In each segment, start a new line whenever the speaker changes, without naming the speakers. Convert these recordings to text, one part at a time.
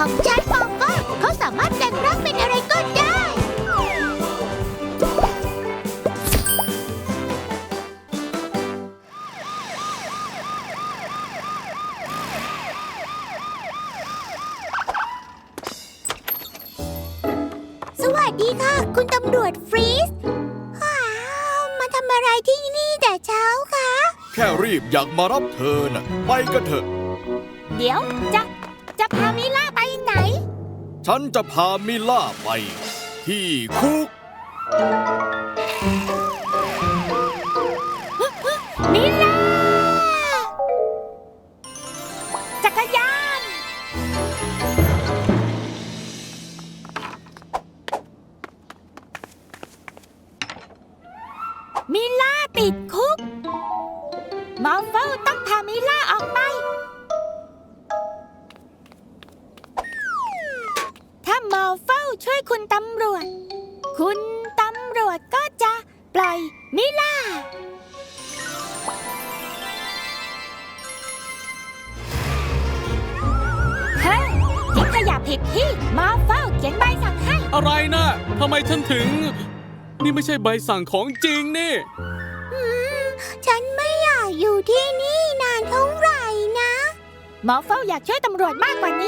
ของฉันมอฟเฟิลเขาสามารถแปลงร่างเป็นอะไรก็ได้ สวัสดีค่ะ คุณตำรวจฟรีสมาทำอะไรที่นี่แต่เช้าคะ
แค่รีบอยากมารับเธอน่ะไปกันเถอะ
เดี๋ยวจะพามิล่าไปไหน
ฉันจะพามิล่าไปที่คุก
มิล่าจักรยาน มิล่าติดคุกมอฟเฟิลต้องพามิล่าออกไป ถ้ามอฟเฟิลช่วยคุณตำรวจ คุณตำรวจก็จะปล่อยมิล่า เฮ้ยทิ้งขยะผิดที่มอฟเฟิลเขียนใบสั่งให้
อะไรนะทำไมฉันถึง นี่ไม่ใช่ใบสั่งของจริงนี่
ฉันไม่อยากอยู่ที่นี่นานเท่าไหร่นะมอฟเฟิลอยากช่วยตำรวจมากกว่านี้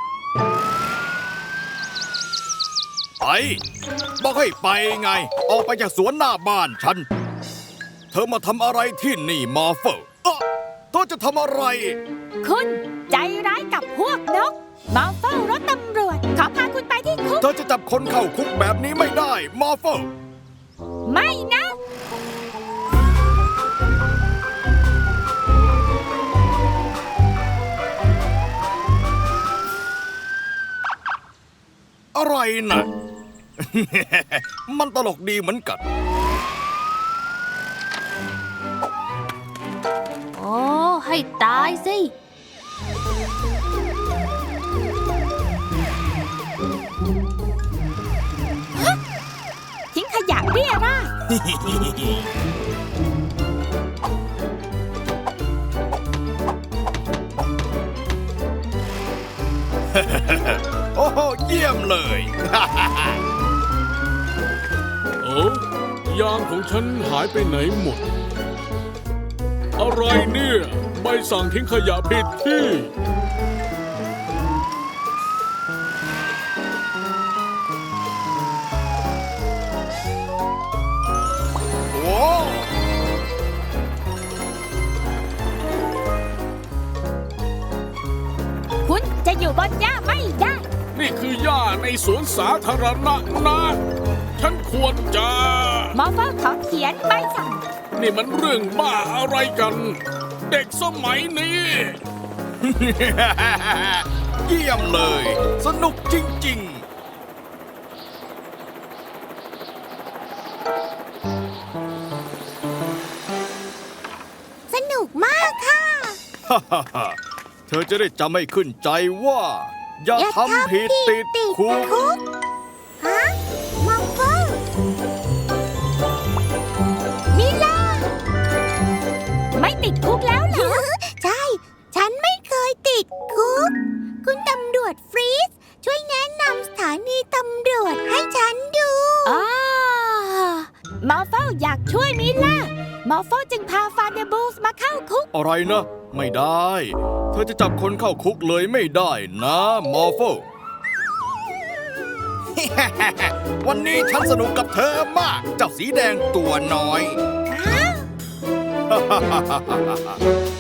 ไปบอกให้ไปไง ออกไปจากสวนหน้าบ้านฉัน เธอมาทำอะไรที่นี่มอร์เฟอร์เธอจะทำอะไร
คุณใจร้ายกับพวกนกมอฟเฟิลรถตำรวจขอพาคุณไปที่คุก
เธอจะจับคนเข้าคุกแบบนี้ไม่ได้มอร์เฟอร์
ไม่นะ
อะไรนะ มันตลกดีเหมือนกัน
โอ้ให้ตายสิ ทิ้งขยะเรี่ยราด
โอ้โหเยี่ยมเลย
โอ้ยางของฉันหายไปไหนหมด อะไรเนี่ย ใบสั่งทิ้งขยะผิดที่
โอ้
คุณจะอยู่บนหญ้าไม่ได้
นี่คือหญ้าในสวนสาธารณะนะ ฉันควรจะ
มอฟเฟิลขอเขียนใบสั่ง
นี่มันเรื่องบ้าอะไรกัน เด็กสมัยนี้
เยี่ยมเลย สนุกจริง
สนุกมากค่ะ
ๆ เธอจะได้จำให้ขึ้นใจว่า อย่าทำผิดติดคุก
ฮะมอฟเฟิลมิล่า ไม่ติดคุกแล้วเหรอ ใช่ ฉันไม่เคยติดคุก คุณตำรวจฟรีสช่วยแนะนำสถานีตำรวจให้ฉันดูมอฟเฟิลอยากช่วยมิล่ามอฟเฟิลจึงพาฟาเดบูสมาเข้าคุก
อะไรนะ ไม่ได้ เธอจะจับคนเข้าคุกเลยไม่ได้นะมอร์โฟ วันนี้ฉันสนุกกับเธอมาก เจ้าสีแดงตัวน้อย